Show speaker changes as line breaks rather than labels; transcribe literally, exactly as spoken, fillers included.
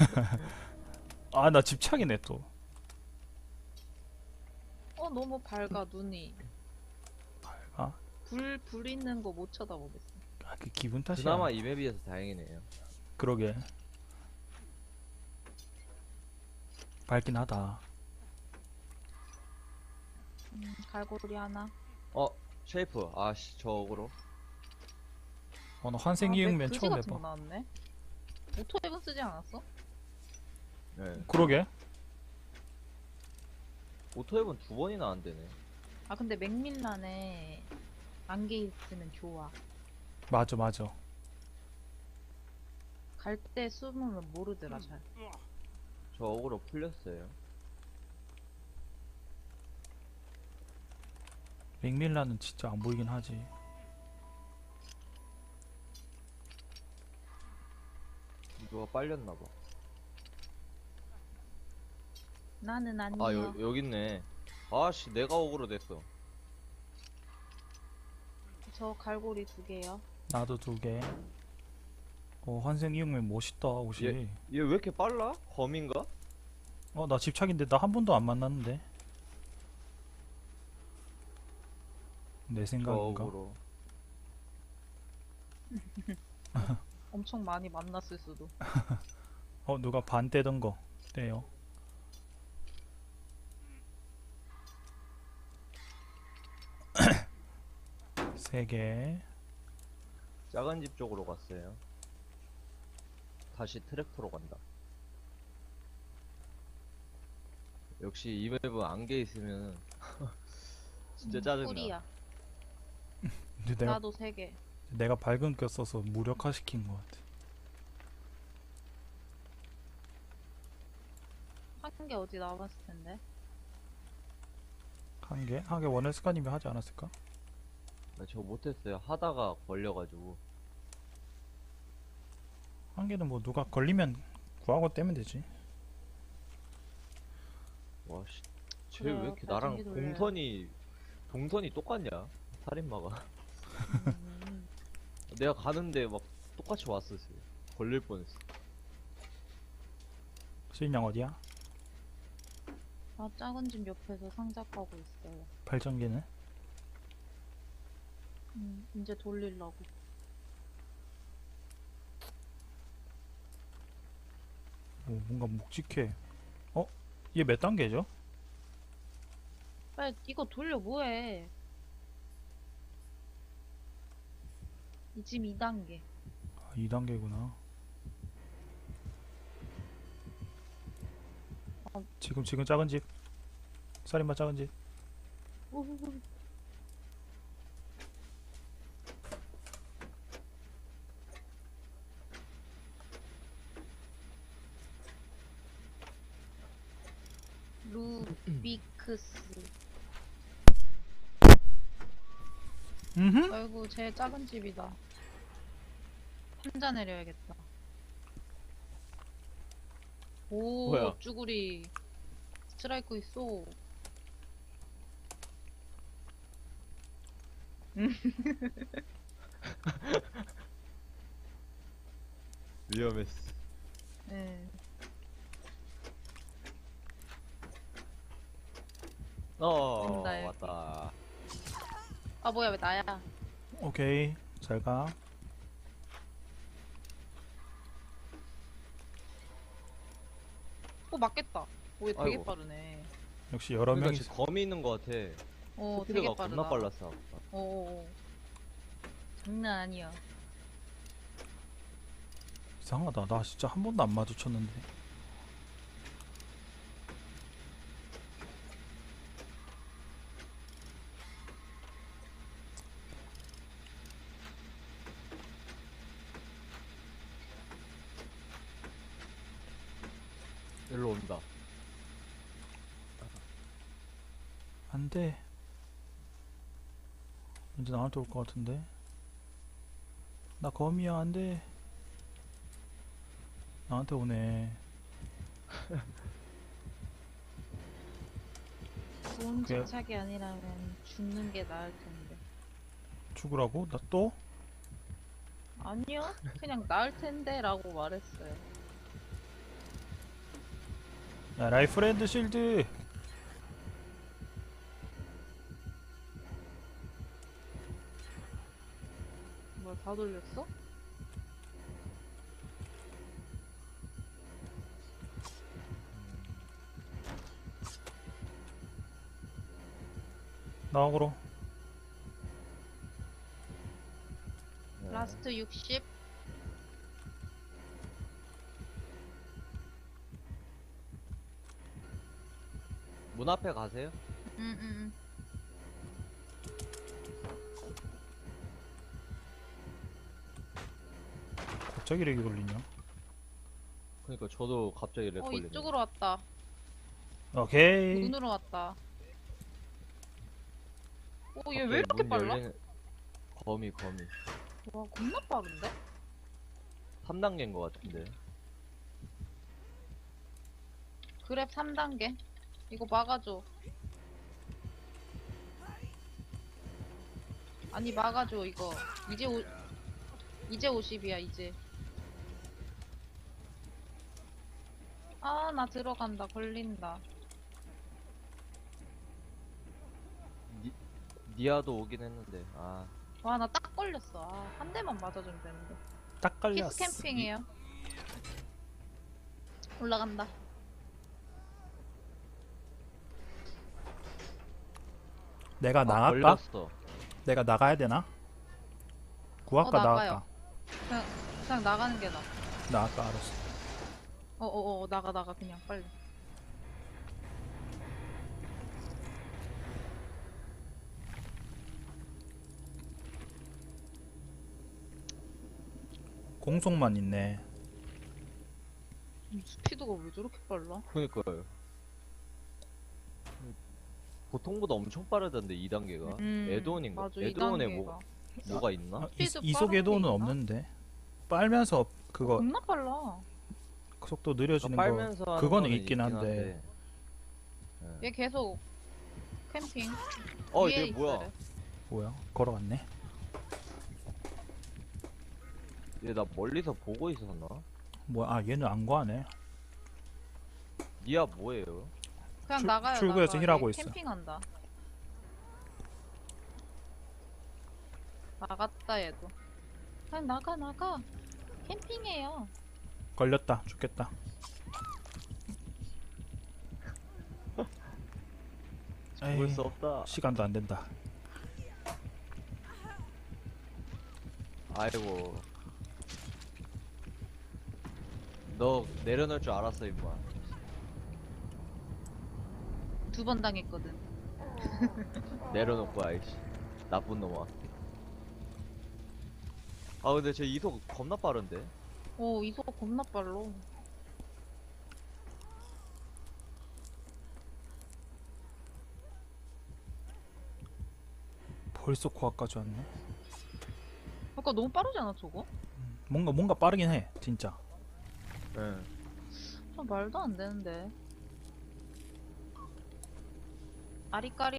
아, 나 집착이네 또.
어, 너무 밝아, 눈이.
아,
불, 불 있는 거 못 쳐다보겠어.
아, 그 기분 탓이야.
그나마 이 맵이어서 다행이네요.
그러게. 밝긴 하다.
음, 갈고리 하나.
어, 쉐이프. 아씨, 저 어그로.
어, 나
아,
환생
맥
이응면
그지
처음
같은 거
해봐.
나왔네. 오토 앱은 쓰지 않았어?
네.
그러게.
오토앱은 두 번이나 안 되네.
아, 근데 맥밀란에 안개 있으면 좋아.
맞아, 맞아.
갈 때 숨으면 모르더라, 잘.
저 어그로 풀렸어요.
맥밀란은 진짜 안 보이긴 하지.
누가 빨렸나봐.
나는 아니야.
아, 여, 여기 있네. 아씨, 내가 어그로 됐어.
저 갈고리 두 개요.
나도 두 개. 어, 환생 이응면 멋있다, 옷이.
얘 왜 이렇게 빨라? 검인가?
어, 나 집착인데 나 한 번도 안 만났는데. 내
저
생각인가?
어그로.
엄청 많이 만났을 수도.
어, 누가 반 떼던 거 떼요. 세 개.
작은 집 쪽으로 갔어요. 다시 트랙터로 간다. 역시 이 맵은 안개 있으면 진짜
음,
짜증나.
꿀이야.
근데 내가
나도 세 개.
내가 밝은 껴 써서 무력화 시킨 것 같아.
한 개 어디 나왔을 텐데.
한 개? 한 개 원헬스카님이 하지 않았을까?
나 저거 못했어요. 하다가 걸려가지고.
한 개는 뭐 누가 걸리면 구하고 떼면 되지.
와씨, 쟤 왜
그래요,
이렇게 나랑
발전기 돌려요.
동선이 동선이 똑같냐? 살인마가.
음,
내가 가는데 막 똑같이 왔었어요. 걸릴 뻔했어.
수인양 어디야?
나 작은 집 옆에서 상자 까고 있어요.
발전기는?
음, 이제 돌리려고.
오, 뭔가 묵직해. 어? 얘 몇 단계죠?
빨리 이거 돌려 뭐해? 이 지금 이 단계.
아, 이 단계구나.
어.
지금 지금 작은 집. 살인마 작은 집.
우후후. 루비크스.
음.
아이고 제 작은 집이다. 혼자 내려야겠다. 오,
뭐야?
쭈구리 스트라이크 있어.
위험했어.
네.
어,
온다, 여기.
왔다.
아 뭐야 왜 나야?
오케이. 잘 가.
어 맞겠다. 오, 얘 되게
아이고.
빠르네.
역시 여러
그러니까
명이
지금 검이 있는 것 같아.
어
스피드가
되게 빠르다.
겁나 빨랐어.
어 장난 아니야.
이상하다. 나 진짜 한 번도 안 마주쳤는데.
일로 온다.
안 돼. 왠지 나한테 올 것 같은데. 나 거미야, 안 돼. 나한테 오네.
좋은
그게-
집착이 아니라면 죽는 게 나을 텐데.
죽으라고? 나 또?
아니요, 그냥 나을 텐데라고 말했어요.
야, 라이프랜드 실드.
뭐야, 다 돌렸어?
나오고로.
네.
라스트 육십.
문 앞에 가세요.
응, 응, 응.
갑자기 렉이 걸리냐?
그러니까 저도 갑자기 렉
어,
걸리네.
이쪽으로 왔다.
오케이.
문으로 왔다. 오, 얘
갑자기
왜 이렇게
문
빨라?
열리는- 거미 거미.
와, 겁나 빠른데?
삼 단계인 것 같은데.
그랩 삼 단계. 이거 막아줘. 아니, 막아줘, 이거. 이제 오, 이제 오십이야, 이제. 아, 나 들어간다. 걸린다.
니, 니아도 오긴 했는데. 아
와, 나 딱 걸렸어. 아, 한 대만 맞아주면 되는데.
딱 걸렸어.
키스 캠핑이에요. 올라간다.
내가
아,
나갈까?
걸렸어.
내가 나가야 되나? 구할까
어, 나가요.
나갈까?
그냥, 그냥 나가는 게 나아.
나갈까 알았어.
어어어, 나가, 나가, 그냥, 빨리.
공속만 있네.
이 스피드가 왜 저렇게 빨라?
그니까요. 보통보다 엄청 빠르던데 이 단계가.
음,
에드온인가?
맞아, 이
에드온에
단계가.
뭐 뭐가 있나?
아, 이,
스피드
이속
빠른
에도는
게 있나?
없는데. 빨면서 그거
겁나 빨라.
속도 느려지는
그러니까
거
빨면서 하는
그거는
거는
있긴 한데.
얘 계속 캠핑.
어
위에
이게 뭐야?
있어요.
뭐야? 걸어갔네.
얘 나 멀리서 보고 있었나?
뭐야? 아 얘는 안 구하네.
니아 뭐예요?
그냥
출-
나가요.
출구에서
나가.
힐하고
얘
있어.
캠핑한다. 나갔다 얘도. 그냥 나가 나가. 캠핑해요.
걸렸다. 죽겠다.
죽을
에이,
수 없다.
시간도 안 된다.
아이고. 너 내려놓을 줄 알았어 임마.
두 번 당했거든.
내려놓고 아이씨. 나쁜 놈아. 아 근데 제 이속 겁나 빠른데?
오, 이속 겁나 빨로.
벌써 코앞까지 왔네.
아까 너무 빠르지 않아 저거?
뭔가 뭔가 빠르긴 해. 진짜.
응.
좀 말도 안 되는데. 아리까리.